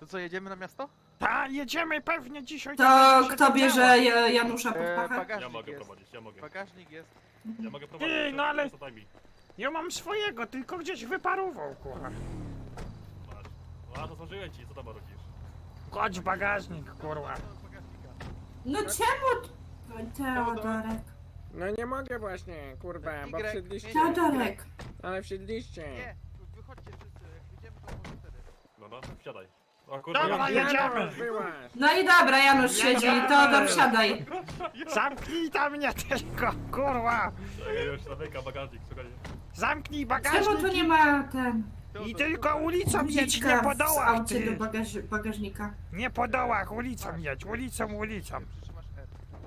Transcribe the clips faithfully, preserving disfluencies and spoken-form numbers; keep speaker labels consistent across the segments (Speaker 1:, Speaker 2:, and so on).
Speaker 1: co, jedziemy na miasto?
Speaker 2: Ta, jedziemy pewnie dzisiaj.
Speaker 3: To
Speaker 2: tak się
Speaker 3: kto
Speaker 2: to
Speaker 3: bierze
Speaker 2: działo.
Speaker 3: Ja- Janusza pod
Speaker 1: E,
Speaker 3: pachę?
Speaker 1: bagażnik
Speaker 4: Ja mogę
Speaker 1: jest.
Speaker 4: prowadzić, ja mogę.
Speaker 1: Bagażnik jest.
Speaker 4: Ja mogę prowadzić.
Speaker 2: Ty, no ale-
Speaker 4: Co daj mi.
Speaker 2: Ja mam swojego, tylko gdzieś wyparował, kurwa.
Speaker 4: Masz. A, to złożyłem ci, co tam robisz?
Speaker 2: Chodź bagażnik, kurwa.
Speaker 3: No czemu? Teodorek.
Speaker 5: No nie mogę właśnie, kurwa, bo
Speaker 1: Y,
Speaker 5: wsiedliście.
Speaker 3: Teodorek.
Speaker 5: Ale wsiedliście.
Speaker 1: Nie, wychodźcie wszyscy, jak wyjdziemy to może wtedy.
Speaker 4: No, no, wsiadaj. O kurwa,
Speaker 2: Dobra,
Speaker 4: ja-
Speaker 2: jedziemy.
Speaker 5: Byłaś.
Speaker 3: No i dobra, Janusz siedzi, Teodor wsiadaj.
Speaker 2: Zamknij tam mnie tylko, kurwa.
Speaker 4: Czekaj, już zamyka bagażnik, słuchaj.
Speaker 2: Zamknij
Speaker 3: Czemu tu
Speaker 2: bagażnik
Speaker 3: nie ma ten...
Speaker 2: i tylko ulicą jedź, nie
Speaker 3: guziczka
Speaker 2: po
Speaker 3: w
Speaker 2: dołach,
Speaker 3: aucie do
Speaker 2: ty.
Speaker 3: bagaż bagażnika?
Speaker 2: Nie po dołach, ulicą jedź, ulicą, ulicą.
Speaker 1: Przytrzymasz R.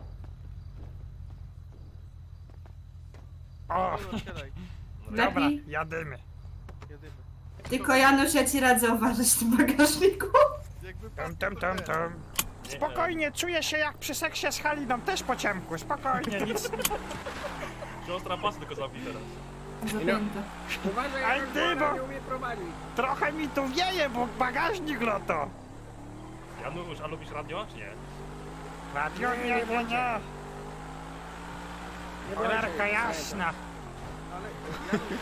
Speaker 2: O,
Speaker 1: Dobra, siadaj,
Speaker 2: dobra,
Speaker 3: Lepiej?
Speaker 2: jadymy.
Speaker 1: jedymy.
Speaker 3: Tylko Janusz, ja ci radzę uważać w tym bagażniku.
Speaker 1: Jakby
Speaker 2: Tam, tam, tam, tam. Spokojnie, czuję się jak przy seksie z Haliną, też po ciemku, spokojnie, nic.
Speaker 4: Siostra pas tylko zamknij teraz.
Speaker 3: Zapięte.
Speaker 5: Uważaj,
Speaker 2: Aj,
Speaker 5: jak
Speaker 2: ty,
Speaker 5: ona
Speaker 2: bo-
Speaker 5: nie umie prowadzić.
Speaker 2: Trochę mi tu wieje, bo bagażnik loto.
Speaker 4: Janusz, a lubisz radio, czy nie?
Speaker 2: Radio, nie, nie, nie.
Speaker 5: Nie
Speaker 2: Cholerka
Speaker 5: bądźcie,
Speaker 2: jasna.
Speaker 1: Ale ja już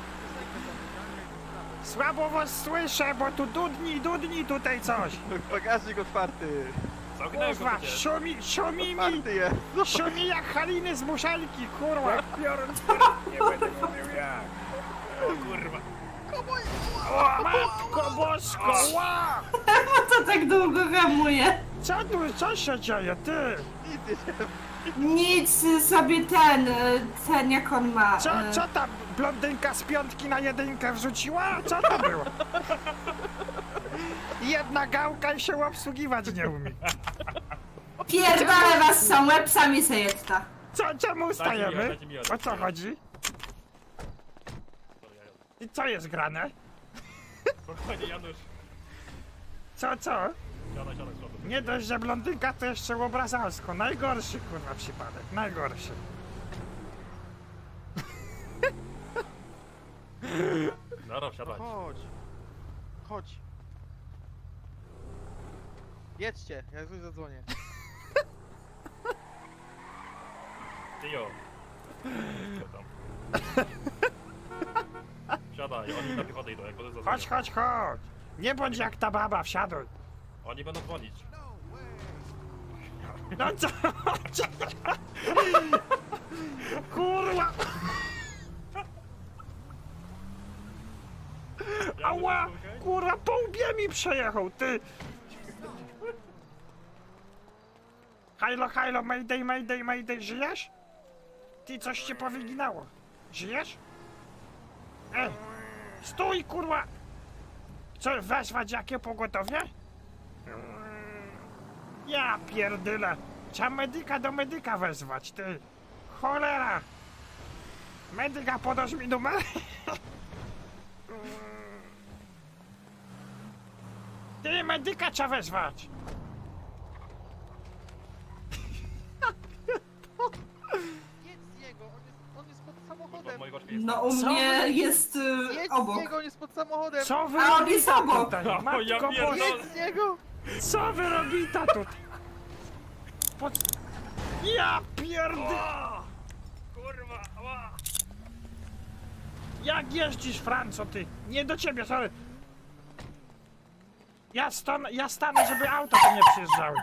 Speaker 2: Słabo was słyszę, bo tu dudni, dudni tutaj coś.
Speaker 1: bagażnik otwarty.
Speaker 4: Zamknąłem go
Speaker 2: Kurwa,
Speaker 4: przecież.
Speaker 2: szumi, szumi mi,
Speaker 1: Otwarty jest.
Speaker 2: szumi jak Haliny z muszelki, kurwa.
Speaker 5: Jak biorąc nie będę mówił jak.
Speaker 4: O kurwa.
Speaker 2: O, matko bosko, ła!
Speaker 3: Po co tak długo hamuje?
Speaker 2: Co tu, co się dzieje, ty?
Speaker 1: Nic nie
Speaker 3: Nic sobie ten, e, ten jak on ma.
Speaker 2: Co,
Speaker 3: e,
Speaker 2: co ta blondynka z piątki na jedynkę wrzuciła? Co to było? Jedna gałka i się obsługiwać nie umie.
Speaker 3: Pierdolę was są łebsami sejetta.
Speaker 2: Co, czemu ustajemy?
Speaker 4: dajcie mi,
Speaker 2: O
Speaker 4: dajcie
Speaker 2: co
Speaker 4: mi.
Speaker 2: chodzi?
Speaker 4: Dobra, ja jadę.
Speaker 2: I co jest grane?
Speaker 4: Spokojnie, Janusz.
Speaker 2: Co, co?
Speaker 4: Siadaj, siadaj, siadaj.
Speaker 2: Nie dość, że blondynka to jeszcze obrazalsko. Najgorszy kurwa przypadek, najgorszy.
Speaker 4: Dobra, siadaj.
Speaker 1: Chodź. Chodź. Jedźcie, ja coś zadzwonię.
Speaker 4: Tyjo. Co tam? Siadaj, oni na piechotę idą, jak będę zadzwonił.
Speaker 2: Chodź, chodź, chodź. Nie bądź jak ta baba, wsiaduj.
Speaker 4: Oni będą dzwonić.
Speaker 2: No co? Kurwa! Ała! Kurwa, po łbie mi przejechał, ty! Hajlo, hajlo, mayday, mayday, mayday, żyjesz? Ty, coś cię powyginało. Żyjesz? Ej! Stój, kurwa! Co, wezwać jakie pogotowie? Ja pierdyle! Trzeba medyka do medyka wezwać, ty! Cholera! Medyka, podasz mi numer? Ty, medyka trzeba wezwać!
Speaker 1: Jedź z niego, on jest, on jest pod
Speaker 4: Kurwa,
Speaker 1: samochodem.
Speaker 4: mojego oczka jest
Speaker 3: No
Speaker 4: tam.
Speaker 3: u
Speaker 2: Co?
Speaker 3: mnie jest y,
Speaker 1: Jedź z
Speaker 3: obok.
Speaker 1: niego, on jest pod samochodem.
Speaker 2: Co wy
Speaker 3: A on jest
Speaker 2: robita
Speaker 3: obok.
Speaker 2: tutaj?
Speaker 4: O, ja
Speaker 2: Matko
Speaker 4: pierdolę.
Speaker 2: Boska!
Speaker 1: Jedź z niego.
Speaker 2: Co wy robita tutaj? Pod... Ja pierdy...
Speaker 4: O! Kurwa, ała!
Speaker 2: Jak jeździsz, Franco, ty? Nie do ciebie, sorry. Ja, stan ja stanę, żeby auto tu nie przyjeżdżały.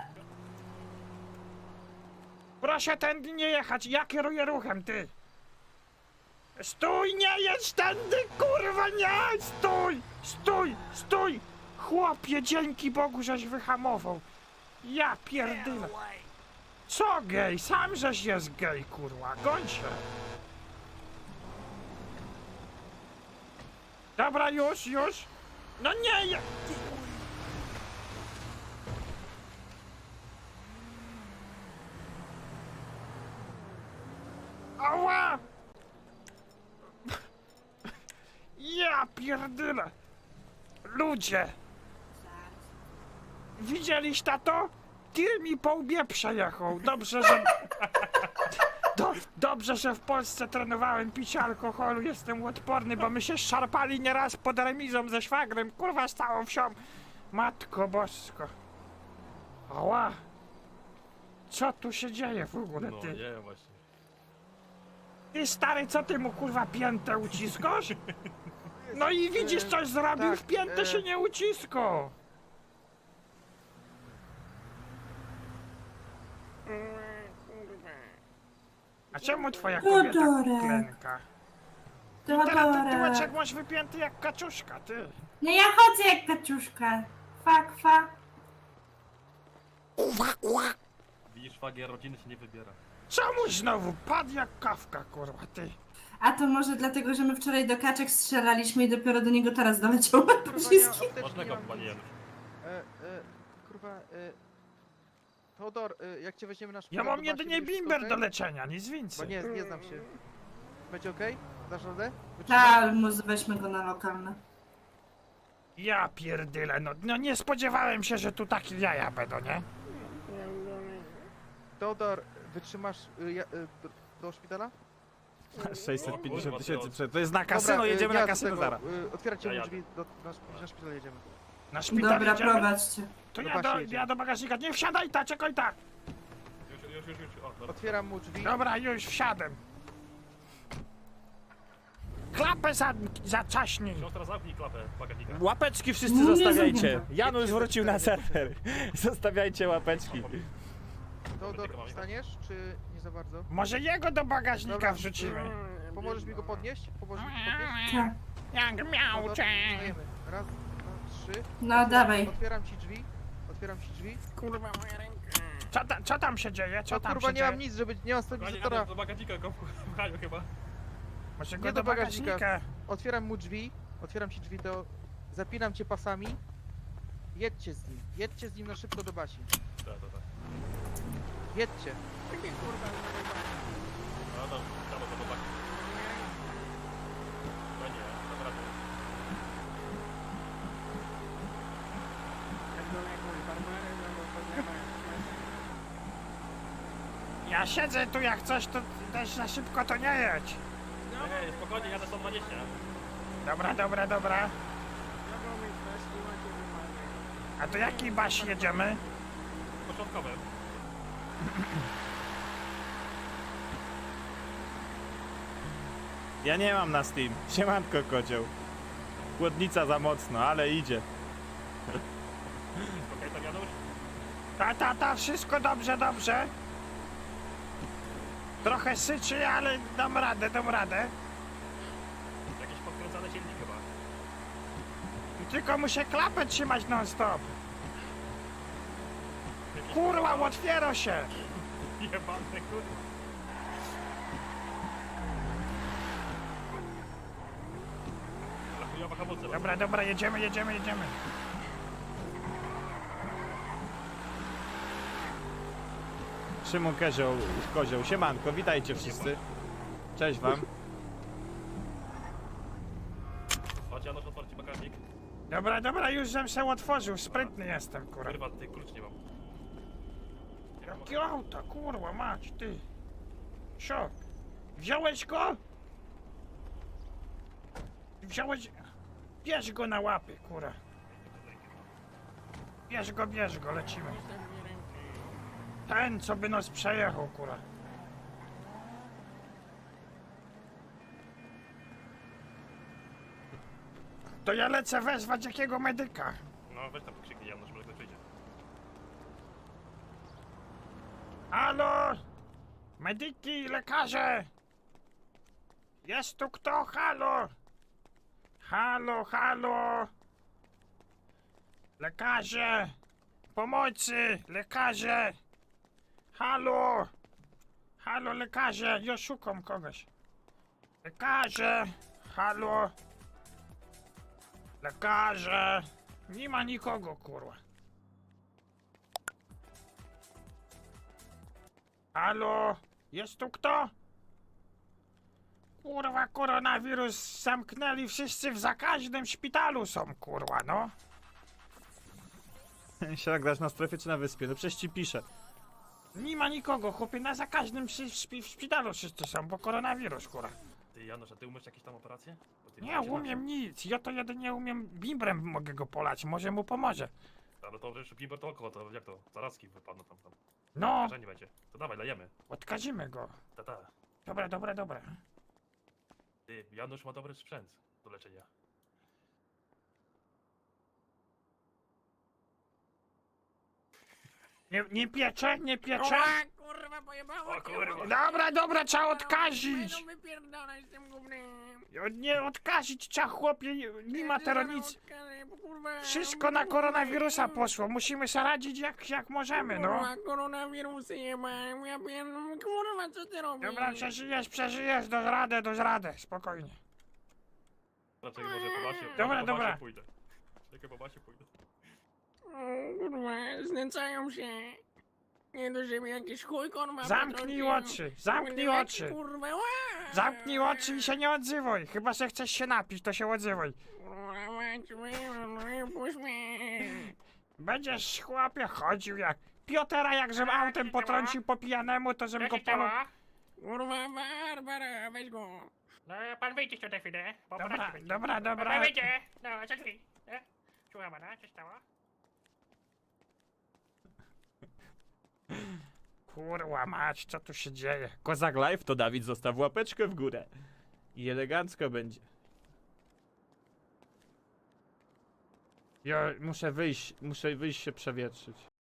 Speaker 2: Proszę tędy nie jechać, ja kieruję ruchem, ty. Stój, nie jedź tędy, kurwa, nie! Stój, stój, stój! Chłopie, dzięki Bogu, żeś wyhamował. Ja pierdolę. Co gej? Sam żeś jest gej, kurwa, goń się. Dobra, już, już. No nie, ja... Ała! Ja pierdolę. Ludzie. Widzieliś tato? Tir mi po łbie przejechał. Dobrze, że... Do, dobrze, że w Polsce trenowałem picie alkoholu. Jestem odporny, bo my się szarpali nieraz pod remizą ze szwagrem. Kurwa, z całą wsią. Matko bosko. Ała. Co tu się dzieje w ogóle,
Speaker 4: No
Speaker 2: ty?
Speaker 4: nie, właśnie.
Speaker 2: Ty stary, co ty mu kurwa piętę uciskasz? No i widzisz, coś zrobił,
Speaker 1: tak,
Speaker 2: w piętę
Speaker 1: e.
Speaker 2: się nie ucisko.
Speaker 5: Kurwa.
Speaker 2: A czemu twoja kobieta
Speaker 3: Teodore.
Speaker 2: klęka? Teraz ty
Speaker 3: Teodore.
Speaker 2: tyłeczek masz wypięty jak kaczuszka, ty.
Speaker 3: No ja chodzę jak kaczuszka. Fa, kwa.
Speaker 4: Widzisz, szwagier rodziny się nie wybiera.
Speaker 2: Czemu znowu padł jak kawka, kurwa, ty?
Speaker 3: A to może dlatego, że my wczoraj do kaczek strzelaliśmy i dopiero do niego teraz doleciały
Speaker 1: Kurwa, nie,
Speaker 3: pociski.
Speaker 1: apteczki
Speaker 4: Można
Speaker 1: nie
Speaker 4: go,
Speaker 1: mam
Speaker 4: panie
Speaker 1: nic.
Speaker 4: Janusz.
Speaker 1: E, e, kurwa, e... Teodor, e, jak cię weźmiemy na
Speaker 2: Ja
Speaker 1: szpital,
Speaker 2: mam
Speaker 1: to da się
Speaker 2: jedynie
Speaker 1: być
Speaker 2: bimber
Speaker 1: okej?
Speaker 2: do leczenia, nic
Speaker 1: Bo
Speaker 2: więcej.
Speaker 1: nie, nie znam się. Będzie okej? Dasz radę? Wytrzymasz?
Speaker 3: Tak, może weźmy go na lokalne.
Speaker 2: Ja pierdyle, no, no nie spodziewałem się, że tu takie jaja będą, nie?
Speaker 1: Teodor, wytrzymasz y, ja, y, do, do szpitala?
Speaker 2: sześćset pięćdziesiąt
Speaker 4: O kurwa,
Speaker 2: tysięcy
Speaker 4: to-
Speaker 2: przed. To jest na kasyno,
Speaker 1: y,
Speaker 2: jedziemy
Speaker 1: ja
Speaker 2: na
Speaker 1: do
Speaker 2: kasyno
Speaker 1: tego,
Speaker 2: zaraz.
Speaker 1: Y, otwierajcie
Speaker 4: Ja
Speaker 1: mu
Speaker 4: jadę.
Speaker 1: drzwi, do, na, szp- na szpital jedziemy.
Speaker 2: Na szpital
Speaker 3: Dobra,
Speaker 2: jedziemy?
Speaker 3: prowadźcie.
Speaker 2: To
Speaker 1: Do
Speaker 2: ja
Speaker 1: Basi
Speaker 2: do,
Speaker 1: jedziemy.
Speaker 2: ja do bagażnika. Nie wsiadaj ta, czekaj ta.
Speaker 4: Już, już, już, już. O, dobra.
Speaker 1: Otwieram mu drzwi.
Speaker 2: Dobra, już wsiadłem. Klapę za, zaczaśnij.
Speaker 4: Siostra, zamknij klapę bagażnika.
Speaker 6: Łapeczki wszyscy
Speaker 3: No nie
Speaker 6: zostawiajcie.
Speaker 3: zamknę.
Speaker 6: Janusz wrócił na serwer. Zostawiajcie łapeczki.
Speaker 1: Teodor, wstaniesz, czy nie za bardzo?
Speaker 2: Może jego do bagażnika
Speaker 1: Dobra.
Speaker 2: wrzucimy.
Speaker 1: Pomożesz mi go podnieść? Pomożesz mi go podnieść?
Speaker 3: Tak.
Speaker 2: Jak
Speaker 1: Teodor,
Speaker 2: miauczę.
Speaker 1: wstajemy. Raz, dwa, trzy.
Speaker 3: No dawaj.
Speaker 1: Otwieram ci drzwi. Otwieram ci drzwi.
Speaker 5: Kurwa, moja ręka.
Speaker 2: Co, ta, co tam się dzieje? Co
Speaker 1: No
Speaker 2: tam
Speaker 1: kurwa,
Speaker 2: się
Speaker 1: nie
Speaker 2: dzieje?
Speaker 1: mam nic, żeby... Nie mam
Speaker 4: Panie
Speaker 1: stabilizatora.
Speaker 4: Janusz, do bagażnika go wpchają chyba.
Speaker 2: Może go
Speaker 1: Nie
Speaker 2: do
Speaker 1: do bagażnika.
Speaker 2: bagażnika.
Speaker 1: Otwieram mu drzwi. Otwieram ci drzwi, to... Zapinam cię pasami. Jedźcie z nim. Jedźcie z nim na szybko do Basi.
Speaker 4: Tak, tak, tak.
Speaker 1: Jedźcie.
Speaker 4: No to, trzeba to zobaczyć. No nie, dobra, to...
Speaker 2: Ja siedzę tu jak coś, to też za szybko to nie jedź.
Speaker 4: Ej, spokojnie, jadę sto dwadzieścia.
Speaker 2: Dobra, dobra, dobra. A do jakiej Basi jedziemy?
Speaker 4: Początkowym.
Speaker 6: Ja nie mam na Steam. Siemanko kocioł. Chłodnica za mocno, ale idzie.
Speaker 4: Okej, tam Janusz?
Speaker 2: Ta, ta, ta, wszystko dobrze, dobrze. Trochę syczy, ale dam radę, dam radę.
Speaker 4: Jakiś podkręcany silnik chyba.
Speaker 2: Tylko muszę klapę trzymać non stop. Kurwa, otwiera się.
Speaker 4: Jebany, kurwa. Ale chujowa hamulce.
Speaker 2: Dobra, dobra, jedziemy, jedziemy, jedziemy.
Speaker 6: Szymon Kozioł, Kozioł. Siemanko, witajcie wszyscy. Cześć wam.
Speaker 4: Chodź Janusz, otwarcie bagażnik.
Speaker 2: Dobra, dobra, już żem się otworzył, sprytny jestem, kurwa.
Speaker 4: Kurwa, ty klucz nie mam.
Speaker 2: Jakie auto, kurwa, mać, ty. Co? Wziąłeś go? Wziąłeś... Bierz go na łapy, kurwa. Bierz go, bierz go, lecimy. Ten, co by nas przejechał, kurwa. To ja lecę wezwać jakiego medyka.
Speaker 4: No weź tam krzyknij Janusz, może ktoś przyjdzie.
Speaker 2: Halo! Medyki, lekarze! Jest tu kto? Halo! Halo, halo! Lekarze! Pomocy! Lekarze! Halo! Halo, lekarze! Ja szukam kogoś. Lekarze! Halo! Lekarze! Nie ma nikogo, kurwa. Halo? Jest tu kto? Kurwa, koronawirus zamknęli wszyscy w zakaźnym szpitalu są, kurwa, no.
Speaker 6: Siak dasz na strefie czy na wyspie? No przecież ci piszę.
Speaker 2: Nie ma nikogo, chłopie, na zakaźnym przy, szpi, w szpitalu wszyscy są, bo koronawirus, kurwa.
Speaker 4: Ty Janusz, a ty umiesz jakieś tam operacje? Bo Ty
Speaker 2: Nie umiem nic, ja to jedynie umiem bimbrem mogę go polać, może mu pomoże.
Speaker 4: Ale to jeszcze Bimber to oko, to jak to? Zarazki wypadną tam tam.
Speaker 2: No,
Speaker 4: Że nie będzie. To dawaj, lejemy.
Speaker 2: odkazimy go.
Speaker 4: Ta, ta.
Speaker 2: Dobra, dobra, dobra.
Speaker 4: Ty, Janusz ma dobry sprzęt do leczenia.
Speaker 2: Nie, nie piecze, nie piecze?
Speaker 5: Ła, kurwa, pojebało
Speaker 4: O
Speaker 5: cię,
Speaker 4: kurwa.
Speaker 2: Dobra, dobra, trzeba odkazić.
Speaker 5: Będą wypierdalać z tym gównem.
Speaker 2: Nie odkazić trzeba, chłopie, nie ma teraz nic.
Speaker 5: Odkażę, bo kurwa,
Speaker 2: Wszystko na koronawirusa poszło, musimy sobie radzić jak, jak możemy, no.
Speaker 5: Kurwa, koronawirusy jebałem, ja pierdolę, kurwa, co ty robisz?
Speaker 2: Dobra, przeżyjesz, przeżyjesz, dasz radę, dasz radę, spokojnie.
Speaker 4: Raczej może po basie,
Speaker 2: Dobra,
Speaker 4: może po
Speaker 2: dobra.
Speaker 4: basie pójdę. Czekaj, po basie pójdę.
Speaker 5: O, kurwa, znęcają się. Nie do siebie jakiś chuj, kurwa.
Speaker 2: Zamknij
Speaker 5: potrącił.
Speaker 2: oczy, zamknij
Speaker 5: Jaki,
Speaker 2: oczy.
Speaker 5: Kurwa, ła!
Speaker 2: Zamknij oczy i się nie odzywaj, chyba że chcesz się napić, to się odzywaj.
Speaker 5: Kurwa, mać, wy- puść mnie.
Speaker 2: Będziesz, chłopie, chodził jak... Piotera jak żem autem potrącił po pijanemu, to żem go panu...
Speaker 5: Kurwa, Barbara, weź go.
Speaker 7: No, pan wyjdzie tu na chwilę. bo
Speaker 2: Dobra,
Speaker 7: poradzi będzie.
Speaker 2: dobra, dobra.
Speaker 7: Pan wyjdzie. No, za drzwi. E? Słucham pana, co stało?
Speaker 2: Kurwa mać, co tu się dzieje?
Speaker 6: Kozak Live to Dawid zostaw łapeczkę w górę. I elegancko będzie. Ja muszę wyjść, muszę wyjść się przewietrzyć.